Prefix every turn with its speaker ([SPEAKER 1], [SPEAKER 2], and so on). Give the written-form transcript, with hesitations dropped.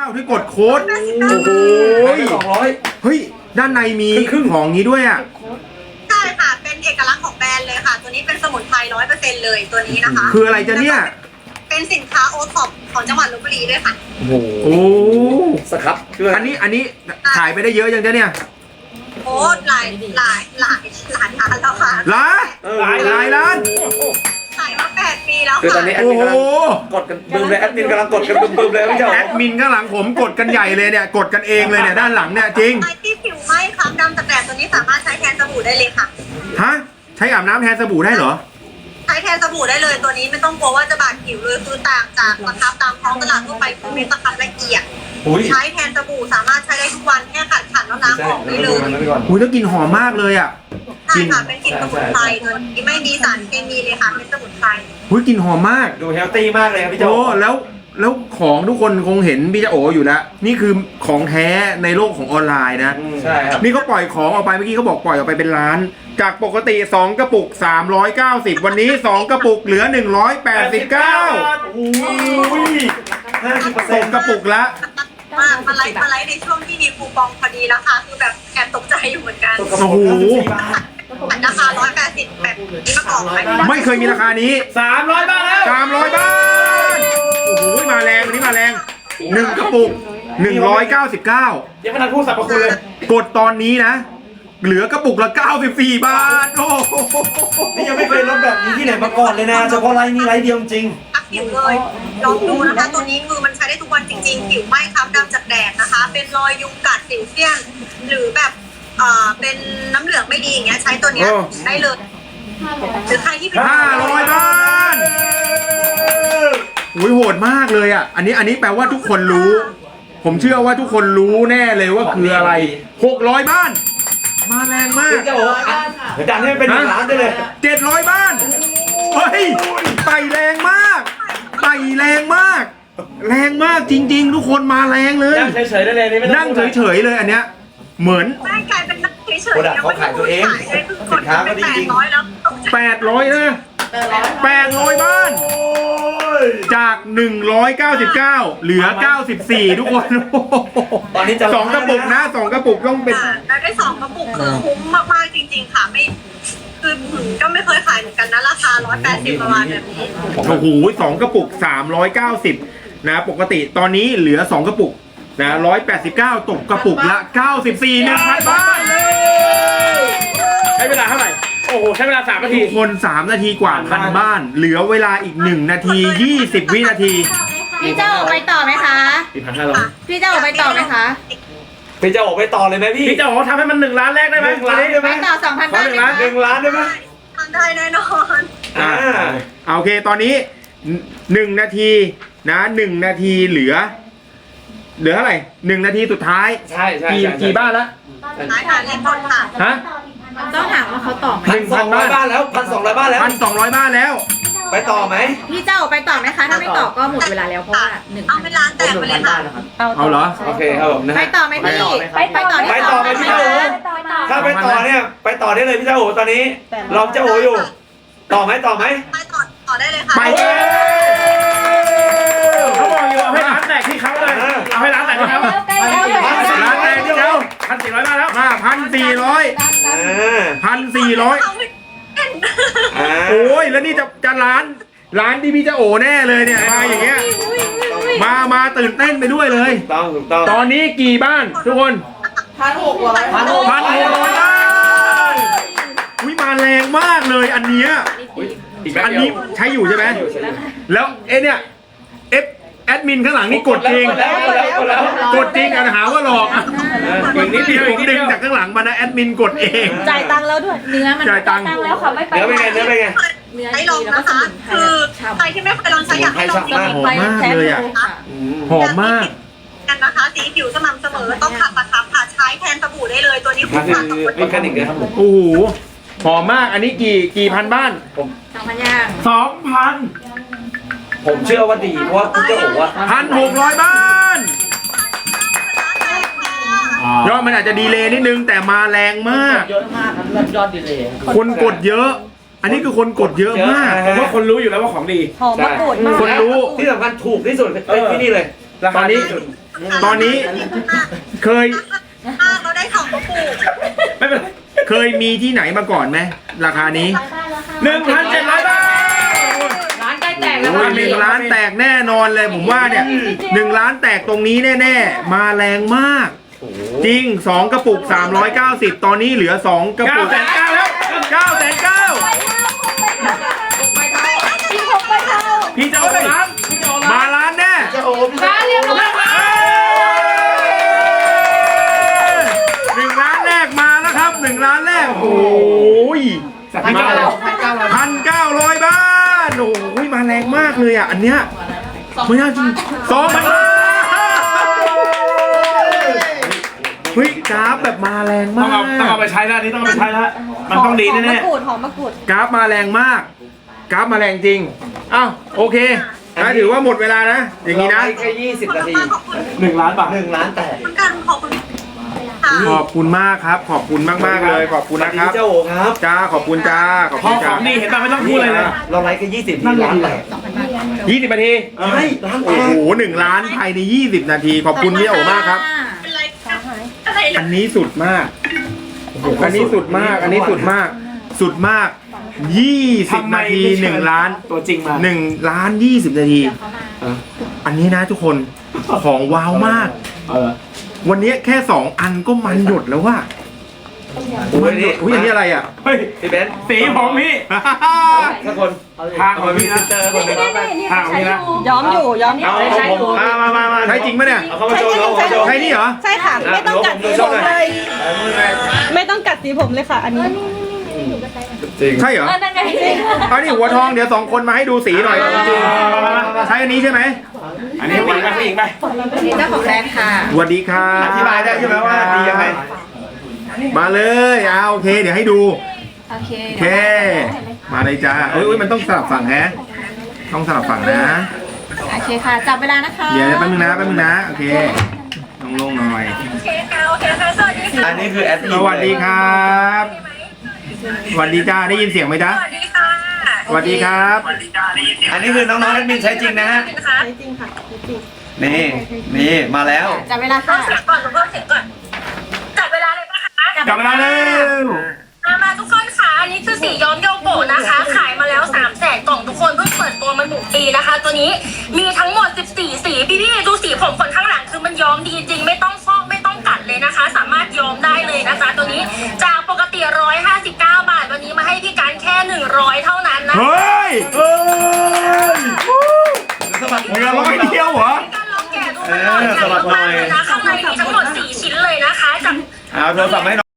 [SPEAKER 1] ที่กดโค้ดโอ้โห200เฮ้ยด้านในมีของนี้ด้วยอ่ะ
[SPEAKER 2] ใช่ค่ะเป็นเอกลักษณ์ของแบรนด์เลยค่ะตัวนี้เป็นสมุนไพร100%เลยตัวนี้นะคะ
[SPEAKER 1] คืออะไรจะเนี่ย
[SPEAKER 2] เป็นสินค้าโอท็อปของจังหวัดลพบุรีด้วยค่ะ
[SPEAKER 1] โอ้โหสครับอันนี้ขายไปได้เยอะยังจะเนี่ย
[SPEAKER 2] โอ้หลายล้านแล้วค่ะ
[SPEAKER 1] หลายล้าน
[SPEAKER 2] ขายมา8 ปีแล้วค่ะ
[SPEAKER 3] คือตอนนี้แอดมินกำลังกดกันบึ้มเลยแอดมินกำลังกดกันบึ้มเลยพี่เจ้า
[SPEAKER 1] แอดมินข้างหลังผมกดกันใหญ่เลยเนี่ยกดกันเองเลยเนี่ยด้านหลังเนี่ยจริง
[SPEAKER 2] ใครที่ผิวไหม้คล้ำดำตะแกรงตัวนี้สามารถใช้แทนสบู่ได้เลยค่ะ
[SPEAKER 1] ฮะใช้อาบน้ำแทนสบู่ได้เหรอ
[SPEAKER 2] ใช้แทนสบู่ได้เลยตัวนี้ไม่ต้องกลัวว่าจะบาดผิวเลยคือต่างจากสครับตามท้องตลาดทั่วไปคือเป็นสครับละเอียดใช้แทนสบู่สามารถใช้ได้ทุกวันแค่ขัดแล้วล้างออกได้เลย
[SPEAKER 1] อุ้ยแล้วกลิ่นหอมมากเลยอ่ะ
[SPEAKER 2] ใช่ค่ะเป็นกลิ่นสมุนไพรตัวนี้ไม่มีสารเคมีเลยค่ะเป็นสมุนไพร
[SPEAKER 1] อุ้ยกลิ่นหอมมาก
[SPEAKER 3] ดูเฮลตี้มากเลยครับพี่เจ้า
[SPEAKER 1] โอ้แล้วของทุกคนคงเห็นพี่จะโออยู่แล้วนี่คือของแท้ในโลกของออนไลน์นะ
[SPEAKER 3] ใช่ครับ
[SPEAKER 1] นี่เขาปล่อยของออกไปเมื่อกี้เขาบอกปล่อยออกไปเป็นล้านจากปกติ2กระปุก390วันนี้2กระปุกเหลือ189
[SPEAKER 3] อุ้ย
[SPEAKER 1] 50%กระปุกละ
[SPEAKER 2] มาไลฟ์ในช่วงที่มีคูปองพอดีแล้วค่ะคือแบบแอบตกใจอยู่เหมือนกัน
[SPEAKER 1] โอ้โห
[SPEAKER 2] ราคา180แบบนี้มาก่อน
[SPEAKER 1] ไม่เคยมีราคานี้
[SPEAKER 3] 300 บาทแล้ว
[SPEAKER 1] 300 บาทโอ้โหมาแรงวันนี้มาแรง1กระปุก199
[SPEAKER 3] ยังไม่ทันพูดสรรพคุณเลย
[SPEAKER 1] กดตอนนี้นะเหลือกระปุกละ94 บาทโอ้
[SPEAKER 3] นี่ยังไม่เคยลดแบบนี้ที่ไหนมาก่อนเลยนะเฉพาะไลน์นี้ไลน์เดียวจริง
[SPEAKER 2] ผิวเลยลองดูนะคะตัวนี้คือมันใช้ได้ทุกวันจริงๆผิวไหม้คล้ำดำจากแดดนะคะเป็นรอยยุงกัดสิวเซียนหรือแบบเป็นน้ำเหลืองไม่ดีอย่างเงี้ยใช้ตัวเนี้ยได้เลยหรือใครที่เป็น
[SPEAKER 1] 500 บาทอุ้ยโหดมากเลยอ่ะอันนี้แปลว่าทุกคนรู้ผมเชื่อว่าทุกคนรู้แน่เลยว่าคืออะไร600 บ้านมาแรงมาก
[SPEAKER 3] เจ้าดันให้เป็น1 ล้านได้เลย
[SPEAKER 1] 700 บ้านเฮ้ยไปแรงมากไปแรงมากแรงมากจริงๆทุกคนมาแรงเลย
[SPEAKER 3] นั่งเฉยๆได้เลย
[SPEAKER 1] นั่งเฉยๆเลยอันเนี้ยเหมือน
[SPEAKER 2] ไม่กลายเป็นนั่งเฉยๆ
[SPEAKER 3] เขาขายตัวเองสินค้าก็ดีจริง
[SPEAKER 1] 800นะ800 บ้านจาก199เหลือ94ทุกคน
[SPEAKER 3] ตอนนี้จะ
[SPEAKER 1] 2กระปุกนะ2กระปุกต้องเป็น
[SPEAKER 2] แล้วได้2กระปุกคือคุ้มมากๆจริงๆค่ะไม่คือก็ไม่เคยขายเหมือนกันนะราคา180ประมาณแบบนี้
[SPEAKER 1] โอ้โห2กระปุก390นะปกติตอนนี้เหลือ2กระปุกนะ189ตกกระปุกละ94 1,000 บ้าน
[SPEAKER 3] ใช้เวลาเท่าไหร่โอ้โหใช้เวลา3 นาที
[SPEAKER 1] คน3 นาทีกว่าพันบ้านเหลือเวลาอีก1 นาที20 วินาที
[SPEAKER 4] พี่เจ้าออกไปต่อไหมคะพี่เจ้าออกไปต่อไหมคะ
[SPEAKER 3] พี่จะออกไปต่อเลยไหมพี่จะออกทำให้มัน1 ล้านแรกได้ไหม1 ล้านได้ไหม
[SPEAKER 4] ไปต่อ 2,000 บ้าน
[SPEAKER 3] 1 ล้านได้ไหม
[SPEAKER 2] ได้แน่นอน
[SPEAKER 1] โอเคตอนนี้1 นาทีนะ1 นาทีเหลือเท่าไหร่1 นาทีสุดท้าย
[SPEAKER 3] ใช่
[SPEAKER 1] กี่บ้านละ
[SPEAKER 2] ท้ายค่ะเล่นบอลค่ะ
[SPEAKER 1] ฮะ
[SPEAKER 4] ต้องถามว่าเขาต่อไหม
[SPEAKER 3] 1,200 บ้านแล้ว1,200 บ้านแล้ว
[SPEAKER 1] 1,200 บ้านแล้ว
[SPEAKER 3] ไปต่อไหม
[SPEAKER 4] พี่เจ้าไปต่อไหมคะถ้าไม่ต่อก็หมดเวลาแล้วเพราะว่า
[SPEAKER 2] เอาไปร้านแตกไปเลยค่ะ
[SPEAKER 1] เอาเหรอ
[SPEAKER 3] โอเคครับผม
[SPEAKER 4] ไปต่อไหมพี่ไปต่อ
[SPEAKER 3] ไหมพี่เจ้าโอถ้าไปต่อเนี่ยไปต่อได้เลยพี่เจ้าโอตอนนี้ลองเจ้าโออยู่ต่อไหม
[SPEAKER 2] ไปต่อได้เลยค่ะ
[SPEAKER 1] ไป
[SPEAKER 3] เขาบอกอยู่เอาให้ร้านแตกที่เขาเลยเอาให้ร้านแตกที่เขา
[SPEAKER 1] ร้านแตกที่เขา
[SPEAKER 3] 1,400 บ้านแล้ว
[SPEAKER 1] 1,400โอ้ยแล้วนี่จะร้านที่พี่จะโอแน่เลยเนี่ยมาอย่างเงี้ยมาตื่นเต้นไปด้วยเลย
[SPEAKER 3] ถูกต้อง
[SPEAKER 1] ตอนนี้กี่บ้านทุกคน
[SPEAKER 4] 1,600
[SPEAKER 1] บ้านอุ้ยมาแรงมากเลยอันเนี้ยอันนี้ใช้อยู่ใช่ไหมแล้วเนี่ยแอดมินข้างหลังนี่กดจริงกดจริงหาว่าหลอกอีกนิดเดียวผมดึงจากข้างหลังมานะแอดมินกดเอง
[SPEAKER 4] จ่ายตังค์แล้วด้วยเนื้อมัน
[SPEAKER 1] จ่ายตังค์
[SPEAKER 4] แล้วค่ะไม่ไป
[SPEAKER 3] เนื้อเป็นไง
[SPEAKER 2] ให้ลองนะคะคือใครที่ไม่เคยลองใช้อยากให้ลองจริง
[SPEAKER 1] หอมมากเลยอ่ะหอมมาก
[SPEAKER 2] กันนะคะสีผิวสม่ำเสมอต้องขัดประทับค่ะใช้แทนสบู่ได้เลยตัวนี้คุ้มค่า
[SPEAKER 3] กับคนเป็นกันอีกเลยครับ
[SPEAKER 1] โอ้โหหอมมากอันนี้กี่พันบ้าน
[SPEAKER 4] 2,000 ย่าง
[SPEAKER 1] 2,000
[SPEAKER 3] ผมเชื่อว่าดีเพราะว่าคุณเจ้าบอกว่า
[SPEAKER 1] 1,600 บ้านยอดมันอาจจะดีเลย์นิดนึงแต่มาแรงมาก
[SPEAKER 3] เยอะมากครับยอดดีเลย์
[SPEAKER 1] คนกดเยอะอันนี้คือคนกดเยอะมาก
[SPEAKER 3] ผมว่าคนรู้อยู่แล้วว่าของดี
[SPEAKER 4] หอมมะกรูดมาก
[SPEAKER 1] คนรู้
[SPEAKER 3] ที่สำคัญถูกที่สุดที่นี่เลยรา
[SPEAKER 1] ต
[SPEAKER 3] คา
[SPEAKER 1] อนนี้
[SPEAKER 3] ดีสุด
[SPEAKER 1] ตอนนี้เคย
[SPEAKER 2] เราได้2กระปุก
[SPEAKER 3] ไม่เป็นไร
[SPEAKER 1] เคยมีที่ไหนมาก่อนไหมราคานี้
[SPEAKER 3] 1,700 บาท
[SPEAKER 4] ร้านใกล้แตกแล้ว
[SPEAKER 1] โอ้ย1 ล้านแตกแน่นอนเลยผมว่าเนี่ย1 ล้านแตกตรงนี้แน่ๆมาแรงมาก จริง 2 กระปุก 390 ตอนนี้เหลือ 2 กระปุก
[SPEAKER 3] 9,900แล้ว
[SPEAKER 1] 9,900
[SPEAKER 3] พี่จะเอาล้านพี่จะเอาล้าน
[SPEAKER 1] มาล้านแน่
[SPEAKER 3] จะโอ้พี่จะ
[SPEAKER 4] ร้านเรียบร้อยค่ะ
[SPEAKER 1] 1 ล้านแรกมาแล้วครับ1 ล้านแรกโอ้ยมาแล้ว1,900 บาทโอ้ยมาแรงมากเลยอ่ะอันเนี้ยไม่น่าจริง2,000 บาทเฮ้ยกราฟแบบมาแรง
[SPEAKER 3] ต้อ
[SPEAKER 1] มาง
[SPEAKER 3] เอา
[SPEAKER 1] ก
[SPEAKER 3] ไปใช้แล้วนี่ต้องเอาไปใช้แล้วมันต้องดีแน่
[SPEAKER 4] หอมมะกรูด
[SPEAKER 1] กราฟมาแรงมากกราฟมาแรงจริงอ้าวโอเคนะถือว่าหมดเวลานะอย่างนี้นะ
[SPEAKER 3] แค่20 นาที
[SPEAKER 2] ขอบคุณ
[SPEAKER 3] 1 ล้านบาท1 ล้านแตก
[SPEAKER 2] คุณกันขอบคุณค่ะ
[SPEAKER 1] ขอบคุณมากครับขอบคุณมากๆเลยขอบคุณนะครับ
[SPEAKER 3] เจ้าโอ๋ครับ
[SPEAKER 1] จ้าขอบคุณจ้าขอบ
[SPEAKER 3] พ
[SPEAKER 1] คุ
[SPEAKER 3] อ
[SPEAKER 1] ณ
[SPEAKER 3] ข
[SPEAKER 1] จ้า
[SPEAKER 3] องดีเห็นป่ะไม่ต้องพูดเลยนะเราไลฟ์แค่20ทีล้านแตก
[SPEAKER 1] 20 นาที
[SPEAKER 3] ใช่ล้านแต
[SPEAKER 1] โอ้
[SPEAKER 3] ก
[SPEAKER 1] โห1 ล้านภายใน20 นาทีขอบคุณพี่โอมากครับ
[SPEAKER 2] เป็นไรอะไร
[SPEAKER 1] อันนี้สุดมากอันนี้สุดมากอันนี้สุดมากสุดมาก20 นาที1 ล้าน
[SPEAKER 3] ตัวจริงมา
[SPEAKER 1] 1 ล้าน 20 นาที อันนี้นะทุกคนของว้าวมาก วันนี้แค่ 2 อันก็มันหยดแล้วว่ามันหยดอุ้ยอันนี้อะไรอ่ะ
[SPEAKER 3] เฮ้ยพี่เบนซ์สีผมพี่ถ้าคนทางของพี่นะเจอคนหนึงทางของพี่นะ
[SPEAKER 5] ย้อมอยู่ย้อมอยู่
[SPEAKER 3] เอามา
[SPEAKER 1] ใช่จริงปะเนี่ย
[SPEAKER 3] เอาเข้ามาโชว์เอาเข้ามาโชว์
[SPEAKER 1] ใช่นี่เหรอ
[SPEAKER 5] ใช่ค่ะ ไม่ต้องกัดสีผมเลย ไม่ต้องกัดสีผมเลยค่ะ อันนี้
[SPEAKER 1] ใช่เหรอ
[SPEAKER 4] นั่นไง
[SPEAKER 1] เอานี่หัวทองเดี๋ยว2 คนมาให้ดูสีหน่อยจริงใช่อันนี้ใช่ไหม
[SPEAKER 3] อันนี้ผู้หญิงไปผู้หญิงไป
[SPEAKER 4] นี่เจ้าของแบรนด์ค่ะ
[SPEAKER 1] สวัสดีครับ
[SPEAKER 3] อธิบายได้ใช่ไหมว่าดียังไง
[SPEAKER 1] มาเลยโอเค เดี๋ยวให้ดู
[SPEAKER 4] โอเค
[SPEAKER 1] โอเค มาเลยจ้าอุ้ยมันต้องสลับฝั่งแฮะต้องสลับฝั่งนะ
[SPEAKER 4] โอเคค่ะ จับเวลานะคะ
[SPEAKER 1] เดี๋ยวแป๊บนึงนะโอเคต้องลงหน่อย
[SPEAKER 2] โอเคค่ะโอเคค่ะสวัสดีค่ะ
[SPEAKER 3] อันนี้คือแอดมิน
[SPEAKER 1] สวัสดีครับสวัสดีจ้าได้ยินเสียงไหมจ๊ะ
[SPEAKER 2] สวัสดีค่ะ
[SPEAKER 1] สวัสดีครับ
[SPEAKER 3] อันนี้คือน้องๆแอดมินใช้จริงนะฮะ
[SPEAKER 2] นะคะ
[SPEAKER 5] จริงค่ะจริง
[SPEAKER 3] นี่มาแล้ว
[SPEAKER 4] จับเวลา
[SPEAKER 2] เพิ่
[SPEAKER 4] ค่ะ
[SPEAKER 2] มเสียงก่อนเพิ่มเสียงก่อนจับเวลาเลยปะคะ
[SPEAKER 1] กลับมาแล้ว
[SPEAKER 2] มาทุกคนค่ะอันนี้คือสีย้อมโยโกะนะคะ ขายมาแล้ว300,000 กล่องทุกคนเพิ่งเปิดตัวมา1 ปีนะคะ ตัวนี้มีทั้งหมด14 สีพี่ๆดูสีผมคนข้างหลังคือมันย้อมดีจริงไม่ต้องฟอกไม่ต้องกัดเลยนะคะ สามารถย้อมได้เลยนะคะ ตัวนี้จากปกติ159 บาทวันนี้มาให้พี่การแค่100เท่านั้นนะ
[SPEAKER 1] เฮ้ย
[SPEAKER 3] สมัคร
[SPEAKER 1] เหลือ100 เดียวเหรอ
[SPEAKER 2] การลองแกะดูมันหน่อยใหญ่มากๆเลยนะข้างในมีทั้งหมด4 ชิ้นเลยนะคะจาก
[SPEAKER 3] เอาโทรศัพท์ให้